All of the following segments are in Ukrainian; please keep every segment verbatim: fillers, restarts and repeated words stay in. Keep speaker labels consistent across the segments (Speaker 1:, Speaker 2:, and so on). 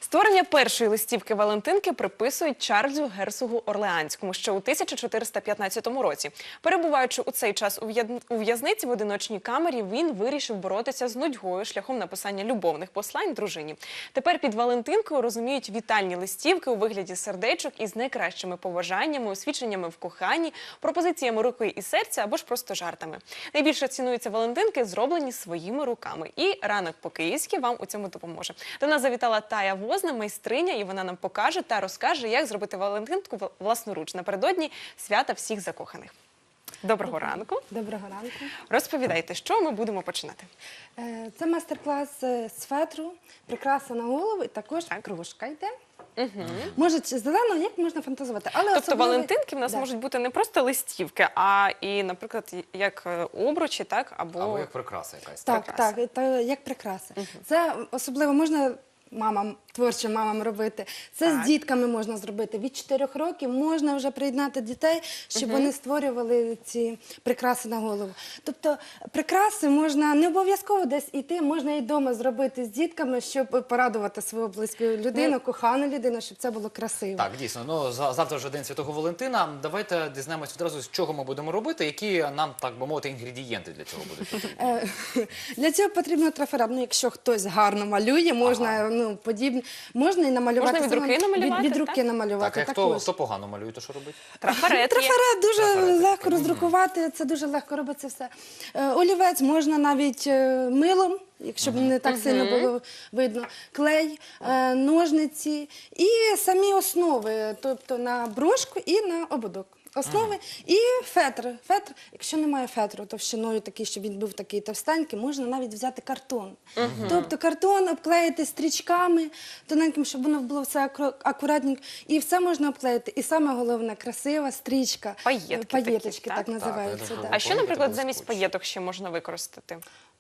Speaker 1: Створення першої листівки Валентинки приписують Чарльзу Герцогу Орлеанському ще у тисяча чотириста п'ятнадцятому році. Перебуваючи у цей час у в'язниці в одиночній камері, він вирішив боротися з нудьгою шляхом написання любовних послань дружині. Тепер під Валентинкою розуміють вітальні листівки у вигляді сердечок із найкращими побажаннями, освідченнями в коханні, пропозиціями руки і серця або ж просто жартами. Найбільше цінуються Валентинки, зроблені своїми руками. І ранок по-київськи вам у цьому допоможе. До нас завітала Тая Возна, майстриня, і вона нам покаже та розкаже, як зробити Валентинку власноруч напередодні свята всіх закоханих. Доброго ранку.
Speaker 2: Доброго ранку.
Speaker 1: Розповідайте, що ми будемо починати?
Speaker 2: Це майстер-клас з фетру, прикраса на голову і також кружка йде.
Speaker 1: Угу.
Speaker 2: Може, зелено, як можна фантазувати. Але
Speaker 1: тобто
Speaker 2: особливо...
Speaker 1: Валентинки в нас да. можуть бути не просто листівки, а і, наприклад, як обручі, так? Або,
Speaker 3: або як прикраса якась.
Speaker 2: Так, прикраса. так, так, як прикраса. Угу. Це особливо можна мамам, творчим мамам робити. Це так. з дітками можна зробити. Від чотирьох років можна вже приєднати дітей, щоб угу. вони створювали ці прикраси на голову. Тобто прикраси можна не обов'язково десь йти, можна і вдома зробити з дітками, щоб порадувати свою близьку людину, mm. кохану людину, щоб це було красиво.
Speaker 3: Так, дійсно. Ну, завтра вже День Святого Валентина. Давайте дізнаємось одразу, з чого ми будемо робити, які нам, так би мовити, інгредієнти для цього будуть потрібні.
Speaker 2: Для цього потрібно трафарет. Ну, якщо хтось гарно малює, можна, ага. ну, подібне. Можна і намалювати.
Speaker 1: Можна від руки намалювати?
Speaker 2: Від, від руки намалювати.
Speaker 3: Так, а хто, хто погано малює, то що робить?
Speaker 1: Трафарет.
Speaker 2: Трафарет дуже Трафарет. легко роздрукувати, це дуже легко робиться все. Олівець можна навіть милом, якщо б не так uh-huh. сильно було видно, клей, ножниці і самі основи, тобто на брошку і на ободок. Основи uh-huh. і фетр. Фетр, якщо немає фетру товщиною такий, щоб він був такий товстенький, можна навіть взяти картон. Uh-huh. Тобто картон обклеїти стрічками тоненьким, щоб воно було все акуратненько. І все можна обклеїти. І саме головне, красива стрічка.
Speaker 1: Паєтки
Speaker 2: Паєточки,
Speaker 1: такі,
Speaker 2: так,
Speaker 1: так
Speaker 2: називаються.
Speaker 3: Так,
Speaker 2: да.
Speaker 1: А що, наприклад, замість паєток ще можна використати?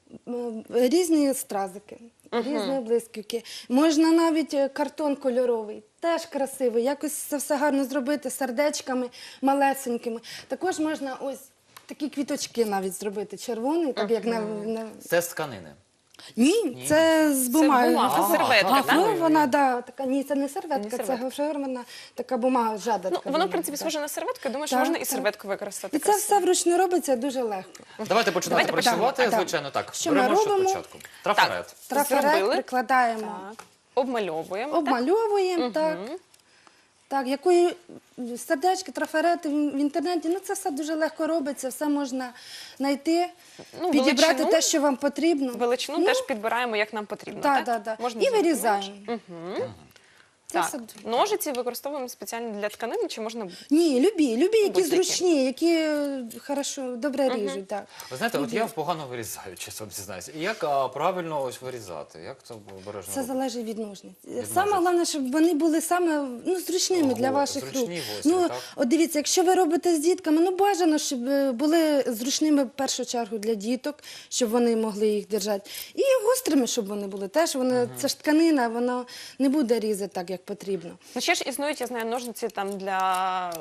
Speaker 2: Різні стразики, uh-huh. різні блискавки. Можна навіть картон кольоровий, теж красивий. Якось це все гарно зробити сердечками малесенькими. Також можна ось такі квіточки навіть зробити, червоний, так uh-huh. як на, на...
Speaker 3: Це з тканини?
Speaker 2: Ні,
Speaker 3: ні,
Speaker 2: це з бумаги.
Speaker 1: Це бумага,
Speaker 3: ага,
Speaker 1: серветка, так?
Speaker 2: Ну, вона, да, така, ні, це не серветка,
Speaker 1: не
Speaker 2: це
Speaker 1: серветка.
Speaker 2: гофрована така бумага, жада.
Speaker 1: Ну,
Speaker 2: така
Speaker 1: воно, в
Speaker 2: бумага,
Speaker 1: принципі,
Speaker 2: так.
Speaker 1: схоже на серветку, я думаю, що
Speaker 2: Так,
Speaker 1: можна і
Speaker 2: так.
Speaker 1: серветку використати.
Speaker 2: І це все вручну робиться дуже легко.
Speaker 3: Давайте починати
Speaker 1: Давайте
Speaker 3: працювати,
Speaker 2: почнемо.
Speaker 3: звичайно, так.
Speaker 2: Що ми
Speaker 3: Беремо що
Speaker 2: робимо?
Speaker 3: спочатку? Трафарет.
Speaker 2: Трафарет
Speaker 1: Зробили.
Speaker 2: прикладаємо.
Speaker 1: Так. Обмальовуємо.
Speaker 2: Обмальовуємо, так.
Speaker 1: Угу.
Speaker 2: Так, якої сердечки, трафарети в інтернеті, ну це все дуже легко робиться, все можна знайти,
Speaker 1: Ну,
Speaker 2: підібрати
Speaker 1: величину,
Speaker 2: те, що вам потрібно.
Speaker 1: Величину
Speaker 2: ну,
Speaker 1: теж підбираємо, як нам потрібно,
Speaker 2: так?
Speaker 1: так?
Speaker 2: Так, так,
Speaker 1: Можна
Speaker 2: і вирізаємо.
Speaker 1: Угу.
Speaker 2: Це
Speaker 1: Так,
Speaker 2: все...
Speaker 1: ножиці використовуємо спеціально для тканини, чи можна...
Speaker 2: Ні, любі, любі, які
Speaker 1: Будь-які.
Speaker 2: зручні, які е, хорошо, добре ріжуть, так.
Speaker 3: Ви знаєте, от я погано вирізаю, чесно вам зізнаюся. І як а, правильно ось вирізати? Як це обережно
Speaker 2: Це
Speaker 3: робити?
Speaker 2: залежить від ножниць.
Speaker 3: Від
Speaker 2: Саме
Speaker 3: ножниць.
Speaker 2: головне, щоб вони були саме ну, зручними
Speaker 3: Ого,
Speaker 2: для ваших
Speaker 3: зручні,
Speaker 2: рук.
Speaker 3: гострі,
Speaker 2: Ну,
Speaker 3: так?
Speaker 2: от дивіться, якщо ви робите з дітками, ну бажано, щоб е, були зручними в першу чергу для діток, щоб вони могли їх держати. І гострими, щоб вони були теж. Вони, угу. Це ж тканина, воно не буде різати так, як потрібно.
Speaker 1: Ну, ще ж існують, я знаю, ножниці там для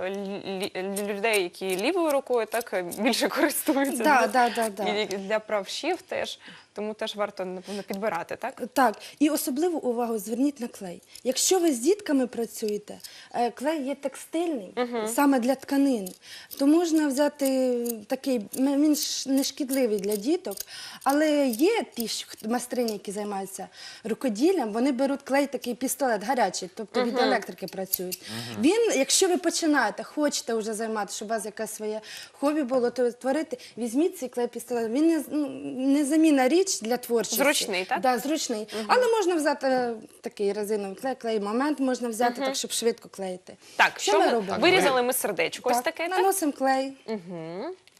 Speaker 1: лі- лі- людей, які лівою рукою так більше користуються.
Speaker 2: Да, да, да, да.
Speaker 1: І для правшів теж. Тому теж варто, напевно, підбирати, так?
Speaker 2: Так, і особливу увагу зверніть на клей. Якщо ви з дітками працюєте, е, клей є текстильний,
Speaker 1: Угу.
Speaker 2: саме для тканин, то можна взяти такий, м- він ж не шкідливий для діток, але є ті ж майстрині, які займаються рукоділлям, вони беруть клей, такий пістолет гарячий, тобто від
Speaker 1: Угу.
Speaker 2: електрики працюють. Він, якщо ви починаєте, хочете вже займатися, щоб у вас якесь своє хобі було, то творити, візьміть цей клей-пістолет. Він не, ну, не заміна річ для творчості.
Speaker 1: Зручний, так?
Speaker 2: Да, зручний. Угу. Але можна взяти е, такий резиновий клей, клей момент можна взяти,
Speaker 1: Угу.
Speaker 2: так, щоб швидко клеїти.
Speaker 1: Так, що, ми
Speaker 2: робимо?
Speaker 1: вирізали ми сердечко, ось
Speaker 2: Так,
Speaker 1: таке, так?
Speaker 2: наносимо клей.
Speaker 1: Угу.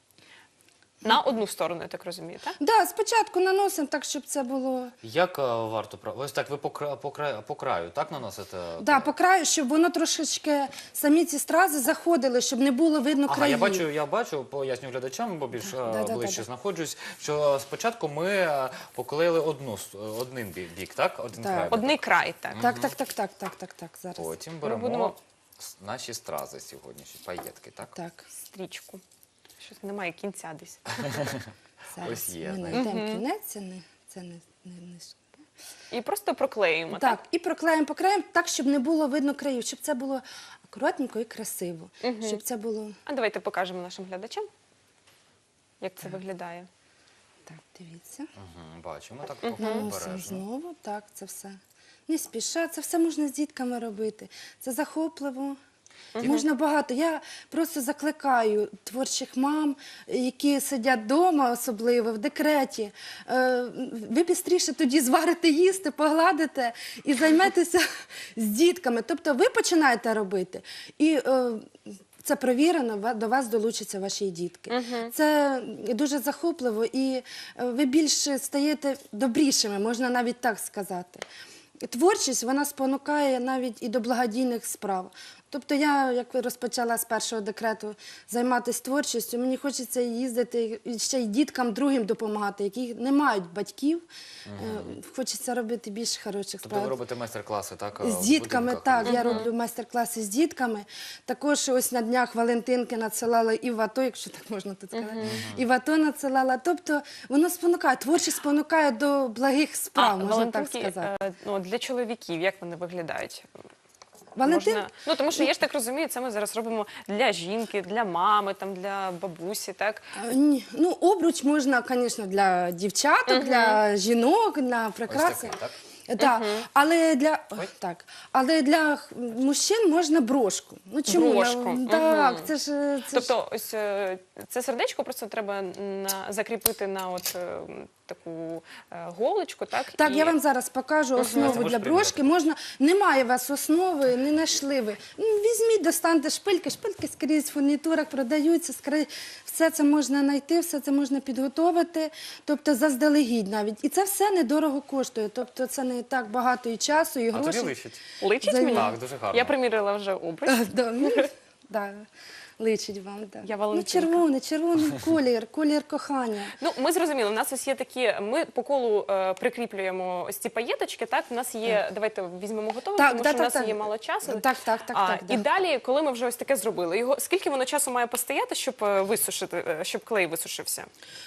Speaker 1: На одну сторону, я так розумію, так?
Speaker 2: Да, спочатку наносимо так, щоб це було...
Speaker 3: Як а, варто правильно? Ось так ви по, кра... по, краю, по краю, так наносите?
Speaker 2: Да, по краю, щоб воно трошечки, самі ці стрази заходили, щоб не було видно
Speaker 3: Ага,
Speaker 2: країв.
Speaker 3: я бачу, я бачу, поясню глядачам, бо більш
Speaker 2: Да, да,
Speaker 3: ближче
Speaker 2: да, да.
Speaker 3: знаходжусь, що спочатку ми е, поклеїли одну, с- один бі- бік, так? Один
Speaker 2: Так.
Speaker 3: край.
Speaker 1: Одний край, так.
Speaker 2: Так, так, так, так, так, так, так, зараз.
Speaker 3: Потім беремо
Speaker 1: будемо-
Speaker 3: с- наші стрази сьогоднішні, паєтки, так?
Speaker 2: Так,
Speaker 1: Стрічку. Щось немає кінця десь.
Speaker 2: зараз
Speaker 3: Ось є,
Speaker 2: ми
Speaker 3: знаєте.
Speaker 2: знайдемо кінець, це не, це не, не, не...
Speaker 1: І просто проклеїмо, так?
Speaker 2: Так, і проклеїмо по краям так, щоб не було видно країв, щоб це було акуратненько і красиво. Щоб це було...
Speaker 1: А давайте покажемо нашим глядачам, як це виглядає.
Speaker 2: Так, дивіться.
Speaker 3: Мгм, бачимо, так
Speaker 2: Наносимо
Speaker 3: обережно.
Speaker 2: знову, так, це все. Не спіша, це все можна з дітками робити. Це захопливо. Можна багато. Я просто закликаю творчих мам, які сидять вдома, особливо в декреті. Е, Ви бістріше тоді зварите їсти, погладите і займетеся з дітками. Тобто ви починаєте робити, і е, це провірено, ва- до вас долучаться ваші дітки. Це дуже захопливо, і е, ви більше стаєте добрішими, можна навіть так сказати. Творчість, вона спонукає навіть і до благодійних справ. Тобто я, як розпочала з першого декрету займатися творчістю, мені хочеться їздити і ще й діткам другим допомагати, які не мають батьків. Е, Хочеться робити більше хороших
Speaker 3: Тобто
Speaker 2: справ.
Speaker 3: ви робите майстер-класи, так?
Speaker 2: З
Speaker 3: в
Speaker 2: дітками,
Speaker 3: будинках?
Speaker 2: так, я роблю майстер-класи з дітками. Також ось на днях Валентинки надсилала і в АТО, якщо так можна тут сказати, і в АТО надсилала. Тобто воно спонукає, творчість спонукає до благих справ, можна так
Speaker 1: валентинки,
Speaker 2: сказати.
Speaker 1: е, ну, для чоловіків, як вони виглядають?
Speaker 2: Валентин,
Speaker 1: Можна... Ну, тому що я ж так розумію, це ми зараз робимо для жінки, для мами, там, для бабусі, так?
Speaker 2: а, ні, ну, обруч можна, звісно, для дівчаток, для жінок, для прикраси.
Speaker 3: такий, так?
Speaker 2: Так, але для Ой, так, але для х- мужчин можна брошку. Ну чому?
Speaker 1: Брошку,
Speaker 2: Так,
Speaker 1: мгм.
Speaker 2: це ж це ж-
Speaker 1: Тобто, ось е, це сердечко просто треба на, закріпити на от е, таку е, голочку, так?
Speaker 2: Так,
Speaker 1: І-
Speaker 2: я вам зараз покажу
Speaker 3: Це
Speaker 2: основу
Speaker 3: можеш
Speaker 2: для брошки. Можна, немає у вас основи, не знайшли ви. Ну, візьміть, достаньте шпильки, шпильки скрізь в фурнітурах продаються, скрізь. Все це можна знайти, все це можна підготовити, тобто заздалегідь навіть. І це все недорого коштує, тобто це не так багато і часу, і
Speaker 3: А тобі
Speaker 2: грошей.
Speaker 3: личить.
Speaker 1: Личить
Speaker 2: За-
Speaker 1: мені?
Speaker 3: Так, дуже гарно.
Speaker 1: Я примірила вже обруч.
Speaker 2: Да, ну, да, личить вам. Да.
Speaker 1: Я
Speaker 2: Ну,
Speaker 1: Валентинка.
Speaker 2: червоний, червоний колір, колір кохання.
Speaker 1: Ну, ми зрозуміли, у нас ось є такі, ми по колу е, прикріплюємо ось ці паєточки, так? У нас є, давайте візьмемо готове,
Speaker 2: Так,
Speaker 1: тому
Speaker 2: да,
Speaker 1: що
Speaker 2: так,
Speaker 1: у нас
Speaker 2: так.
Speaker 1: є мало часу.
Speaker 2: Так, так, так,
Speaker 1: А,
Speaker 2: так,
Speaker 1: І
Speaker 2: да.
Speaker 1: далі, коли ми вже ось таке зробили, його, скільки воно часу має постояти, щоб е, висушити, е, щоб клей висушився?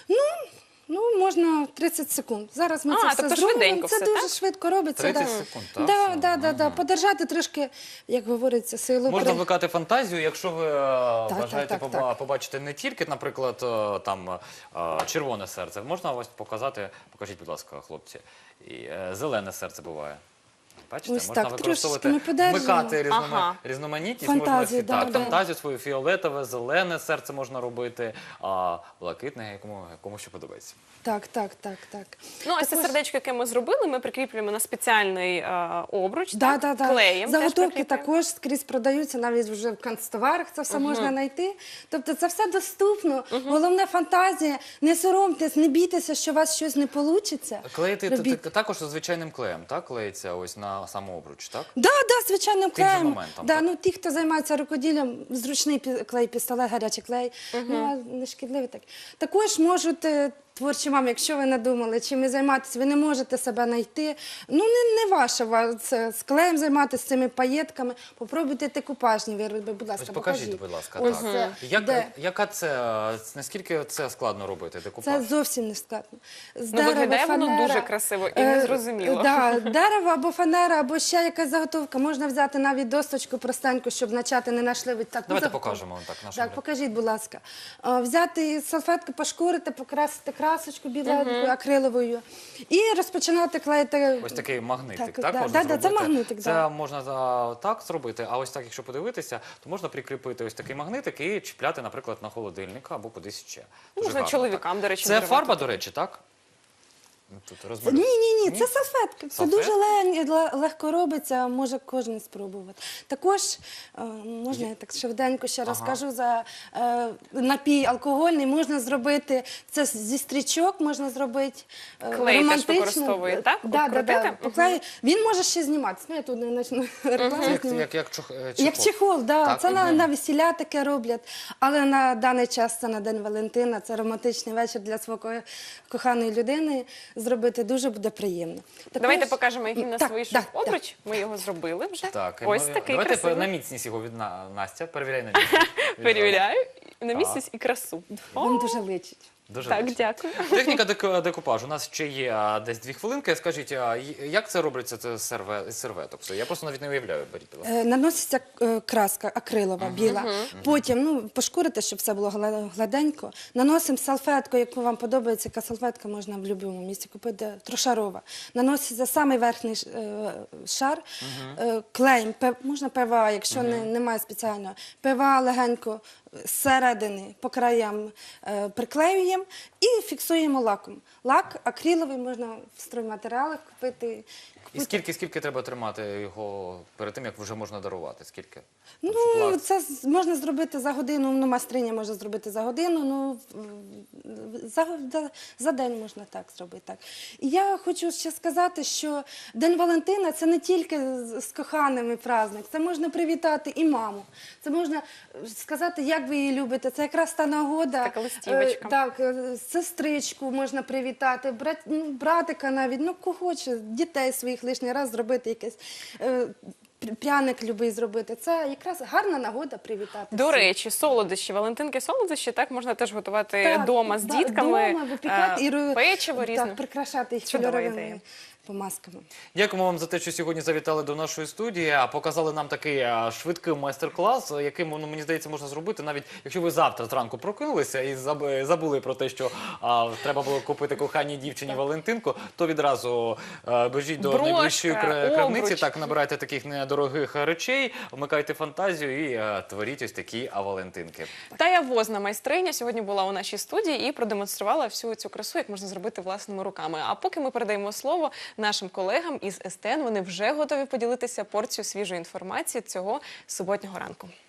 Speaker 2: Ну, можна тридцять секунд. Зараз ми
Speaker 1: А,
Speaker 2: це все
Speaker 1: тобто
Speaker 2: зробимо.
Speaker 1: швиденько
Speaker 2: Це
Speaker 1: все,
Speaker 2: дуже
Speaker 1: так?
Speaker 2: швидко робиться.
Speaker 3: тридцять
Speaker 2: да.
Speaker 3: секунд, так?
Speaker 2: Да,
Speaker 3: Все.
Speaker 2: да, да, да. Подержати трошки, як говориться, силу.
Speaker 3: Можна
Speaker 2: при-
Speaker 3: вмикати фантазію, якщо ви е, бажаєте
Speaker 2: так,
Speaker 3: поба-
Speaker 2: так.
Speaker 3: побачити не тільки, наприклад, е, там е, червоне серце. Можна ось показати, покажіть, будь ласка, хлопці. І е, зелене серце буває. Бачите,
Speaker 2: Ось
Speaker 3: можна
Speaker 2: так,
Speaker 3: використовувати,
Speaker 2: трошечки ми подержимо.
Speaker 3: вмикати різнома...
Speaker 1: Ага.
Speaker 3: різноманітність, можна
Speaker 2: Фантазію,
Speaker 3: всі- так,
Speaker 2: да, да.
Speaker 3: фантазію свою, фіолетове, зелене серце можна робити, а блакитне, якому, якому що подобається.
Speaker 2: Так, так, так, так.
Speaker 1: Ну, ось це
Speaker 2: Також-
Speaker 1: сердечко, яке ми зробили, ми прикріплюємо на спеціальний е, обруч,
Speaker 2: Да,
Speaker 1: так?
Speaker 2: да, да.
Speaker 1: Клеєм теж
Speaker 2: Заготовки
Speaker 1: прикріплюємо.
Speaker 2: також скрізь продаються, навіть вже в канцтоварах це все можна знайти. Тобто це все доступно. Головне фантазія. Не соромтесь, не бійтеся, що у вас щось не вийде.
Speaker 3: Клеїти т-
Speaker 2: Робіть.
Speaker 3: т- також звичайним клеєм, так? Клеїться ось на самообруч, так?
Speaker 2: Да, да, звичайним
Speaker 3: Тим же
Speaker 2: клеєм.
Speaker 3: моментом,
Speaker 2: Да,
Speaker 3: так?
Speaker 2: ну, ті, хто займається рукоділлям, зручний пі- клей, пістолет, гарячий клей, ну, а не шкідливий так. Також можуть е, творчі мами, якщо ви надумали, чим ви займатися, ви не можете себе знайти. Ну, не, не ваше ва- це з клеєм займатися, з цими паєтками. Попробуйте декупажні вироби, будь ласка,
Speaker 3: Ось покажіть,
Speaker 2: покажіть.
Speaker 3: будь ласка,
Speaker 2: Ось
Speaker 3: так.
Speaker 2: це,
Speaker 3: Як,
Speaker 2: де?
Speaker 3: яка це, е, наскільки це складно робити, декупаж?
Speaker 2: Це зовсім не складно. З
Speaker 1: Ну, виглядає воно
Speaker 2: фанера,
Speaker 1: дуже красиво і
Speaker 2: е,
Speaker 1: незрозуміло.
Speaker 2: Да, дерево або фанера, або ще якась заготовка. Можна взяти навіть досточку простеньку, щоб начати не нашливити таку
Speaker 3: Давайте
Speaker 2: заготовку.
Speaker 3: покажемо так нашим
Speaker 2: Так,
Speaker 3: глядачам.
Speaker 2: покажіть, будь ласка. А, Взяти салфетку, пошкурити, покрасити красочку біленькою, акриловою і розпочинати клеїти.
Speaker 3: Ось такий магнитик, так,
Speaker 2: Так, да,
Speaker 3: можна
Speaker 2: да, да, це
Speaker 3: зробити?
Speaker 2: магнитик,
Speaker 3: Це
Speaker 2: да.
Speaker 3: можна за, так зробити, а ось так, якщо подивитися, то можна прикріпити ось такий магнитик і чіпляти, наприклад, на холодильник або кудись ще. Дуже
Speaker 1: Можна
Speaker 3: гарно,
Speaker 1: чоловікам,
Speaker 3: так.
Speaker 1: до речі,
Speaker 3: Це
Speaker 1: дарувати.
Speaker 3: фарба, до речі, так? Тут
Speaker 2: Ні,
Speaker 3: розмалюй.
Speaker 2: ні, ні, це салфетки. Це
Speaker 3: Салфетки?
Speaker 2: дуже ле- ле- легко робиться, може кожен спробувати. Також е, можна я так швиденько ще розкажу за е, напій алкогольний. Можна зробити це зі стрічок, можна зробити е,
Speaker 1: Клей теж
Speaker 2: романтично.
Speaker 1: використовує, так?
Speaker 2: Да, да, да.
Speaker 1: Обкрутити?
Speaker 2: Поклею. Він може ще зніматися. Ну, я тут не почну рекламу
Speaker 3: Це як,
Speaker 2: знімати.
Speaker 3: як, як, чох, е,
Speaker 2: Як чехол, да.
Speaker 3: Так,
Speaker 2: це на,
Speaker 3: мгм.
Speaker 2: на весілля таке роблять. Але на даний час це на День Валентина, це романтичний вечір для свого ко- коханої людини. Зробити дуже буде приємно. Також-
Speaker 1: Давайте покажемо, який в нас
Speaker 2: Так,
Speaker 1: вийшов
Speaker 2: так,
Speaker 1: обруч. Ми його зробили вже.
Speaker 3: Так, і
Speaker 1: Ось
Speaker 3: ми-
Speaker 1: такий
Speaker 3: давайте
Speaker 1: красивий.
Speaker 3: на міцність його від На- Настя, перевіряй на міцність.
Speaker 1: Перевіряю на міцність і красу.
Speaker 2: Вам дуже личить.
Speaker 3: Дуже
Speaker 1: Так,
Speaker 3: вдячний.
Speaker 1: дякую.
Speaker 3: Техніка деку- декупажу. У нас ще є а, десь дві хвилинки. Скажіть, а, й- як це робиться це з серве- з серветок? Все, я просто навіть не уявляю. Беріть, будь ласка.
Speaker 2: Е, Наноситься е, краска акрилова, біла. Потім ну, пошкурити, щоб все було гла- гладенько. Наносимо салфетку, яку вам подобається, яка салфетка можна в будь-якому місці купити, трошарова. Наноситься самий верхній ш- е, шар, е, клеєм, пе- можна ПВА, якщо не, немає спеціального. ПВА легенько зсередини по краям е, приклеюємо і фіксуємо лаком. Лак акриловий можна в стройматеріалах купити.
Speaker 3: І скільки, скільки треба тримати його перед тим, як вже можна дарувати? Скільки?
Speaker 2: Ну,
Speaker 3: Щоб лак-
Speaker 2: це з- можна зробити за годину, ну, майстриня може зробити за годину, ну, в- за, за, за день можна так зробити. Так. І я хочу ще сказати, що День Валентина – це не тільки з, з коханими праздник, це можна привітати і маму, це можна сказати, як ви її любите, це якраз та нагода.
Speaker 1: Така листівочка.
Speaker 2: Е, Так, е, сестричку можна привітати, брат, ну, братика навіть, ну, кого хоче, дітей своїх лишній раз зробити якесь. е, пр- Пряник любий зробити. Це якраз гарна нагода привітати.
Speaker 1: До
Speaker 2: всіх.
Speaker 1: речі, солодощі, Валентинки солодощі, так можна теж готувати
Speaker 2: Так,
Speaker 1: вдома з
Speaker 2: да,
Speaker 1: дітками,
Speaker 2: вдома випікати
Speaker 1: е,
Speaker 2: і ро-
Speaker 1: печиво різне.
Speaker 2: Так, прикрашати їх
Speaker 1: Чудова
Speaker 2: кольоровими
Speaker 1: ідея.
Speaker 2: помазками.
Speaker 3: Дякуємо вам за те, що сьогодні завітали до нашої студії, а показали нам такий а, швидкий майстер-клас, яким, ну, мені здається, можна зробити, навіть якщо ви завтра зранку прокинулися і заб- забули про те, що а, треба було купити коханій дівчині Валентинку, то відразу а, біжіть до
Speaker 1: Брошка,
Speaker 3: найближчої кра- крамниці,
Speaker 1: обруч.
Speaker 3: так, набирайте таких недорогих речей, вмикайте фантазію і а, творіть ось такі а, Валентинки.
Speaker 1: Тая Возна, майстриня, сьогодні була у нашій студії і продемонструвала всю цю красу, як можна зробити власними руками. А поки ми передаємо слово нашим колегам із ес те ен, вони вже готові поділитися порцією свіжої інформації цього суботнього ранку.